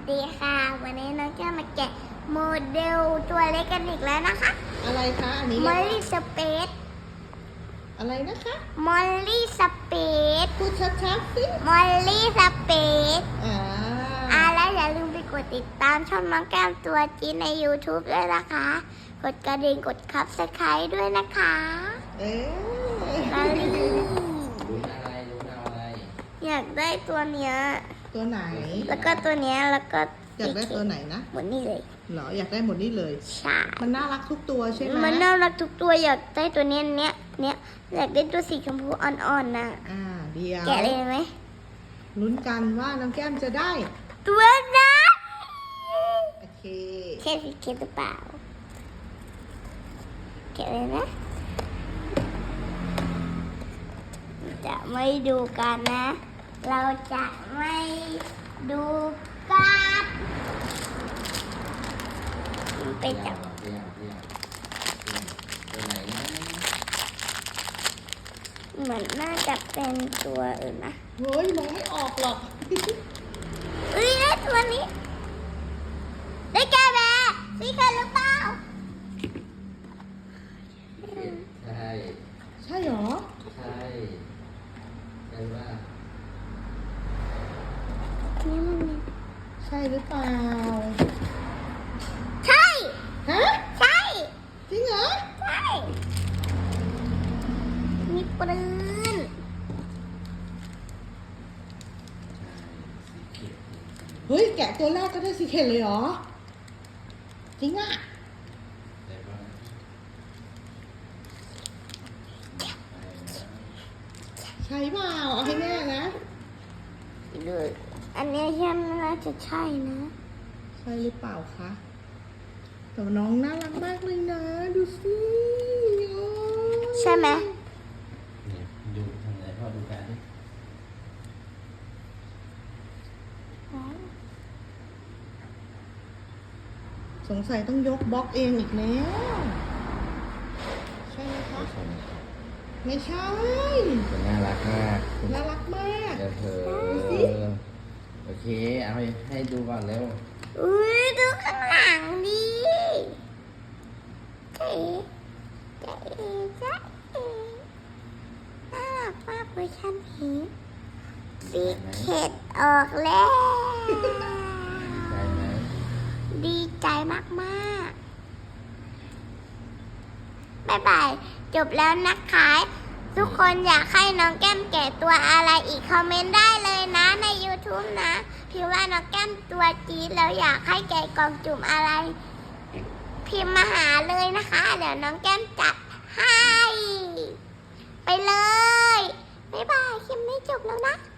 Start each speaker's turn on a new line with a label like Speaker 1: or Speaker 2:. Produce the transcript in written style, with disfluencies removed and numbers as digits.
Speaker 1: ดีค่ะวันนี้น้องจะมาแกะโมเดลตัวเล็กกันอีกแล้วนะคะ
Speaker 2: อะไรคะอันนี้
Speaker 1: มอลลี่สเปซ
Speaker 2: อะไรนะคะ
Speaker 1: มอลลี่สเปซ
Speaker 2: พูดชัดๆสิ
Speaker 1: มอลลี่สเปซแล้วอย่าลืมไปกดติดตามช่องน้องแก้มตัวจีนใน YouTube ด้วยนะคะกดกระดิ่งกดซับสไครต์ด้วยนะคะมอลลี่
Speaker 3: ลุ้นอะไร
Speaker 1: อยากได้ตัวเนี้ย
Speaker 2: ตัวไหน
Speaker 1: แล้วก็ตัวเนี้ยแล้วก็
Speaker 2: อยากได้ตัวไหนนะ
Speaker 1: หมดนี่เลย
Speaker 2: เหรออยากได้หมดนี่เลย
Speaker 1: ใช่
Speaker 2: มันน่ารักทุกตัวใช่ไหม
Speaker 1: มันน่ารักทุกตัวอยากได้ตัวเนี้ยอยากได้ตัวสีชมพูอ่อนๆน่ะ
Speaker 2: เดียว
Speaker 1: แกะเลยไหม
Speaker 2: ลุ้นกันว่าน้องแก้มจะได้
Speaker 1: ตัวนั้น
Speaker 2: โอเค
Speaker 1: แค่สีเขียวหรือเปล่าแกะเลยนะจะไม่ดูกันนะเราจะไม่ดูกันไปจับ
Speaker 3: ตัวไหนนะ
Speaker 1: เหมือนน่าจะเป็นตัวอื่นนะ
Speaker 2: เฮ้ยมองไม่ออกหรอก
Speaker 1: ได้ตัวนี้ได้แกแบสีเขียวหรือเปล่า
Speaker 3: ใช่
Speaker 2: ใช่หรอ
Speaker 3: ใช่ว่า
Speaker 2: ใช่หรือเปล่า
Speaker 1: ใช่
Speaker 2: ฮะ
Speaker 1: ใช่
Speaker 2: จริงเหรอ
Speaker 1: ใช่มีปืน
Speaker 2: เฮ้ยแกะตัวแรกก็ได้สีเขียวเลยเหรอจริงอ่ะใช่เปล่าเอาให้แน่นะ
Speaker 1: ดูอันนี้ยังน่าจะใช่นะ
Speaker 2: ใช่หรือเปล่าคะแต่น้องน่ารักมากเลยนะดูสิ
Speaker 1: ใช่ไหม
Speaker 3: ดูทำไหนพ่อดูกันดิ
Speaker 2: สงสัยต้องยกบล็อกเองอีกแล้วใช่ไหมคะไม่ใช่
Speaker 3: น่ารักมาก
Speaker 2: น่ารักมาก
Speaker 3: เดี๋ยวเธอโอเคเอาให้ดูก่อนเร็ว
Speaker 1: ดูข้างหลังดิเจ๊น่ารักมากเวอร์ชันนี้สีเข็ดออกแล้วดีใจมากๆบ๊ายบายจบแล้วนะคะทุกคนอยากให้น้องแก้มแกะตัวอะไรอีกคอมเมนต์ได้เลยนะใน YouTube นะพิมพ์ว่าน้องแก้มตัวจี๊ดแล้วอยากให้แกะกล่องจุ่มอะไรพิมพ์มาหาเลยนะคะเดี๋ยวน้องแก้มจัดให้ไปเลยบ๊ายบายคลิปนี้จบแล้วนะ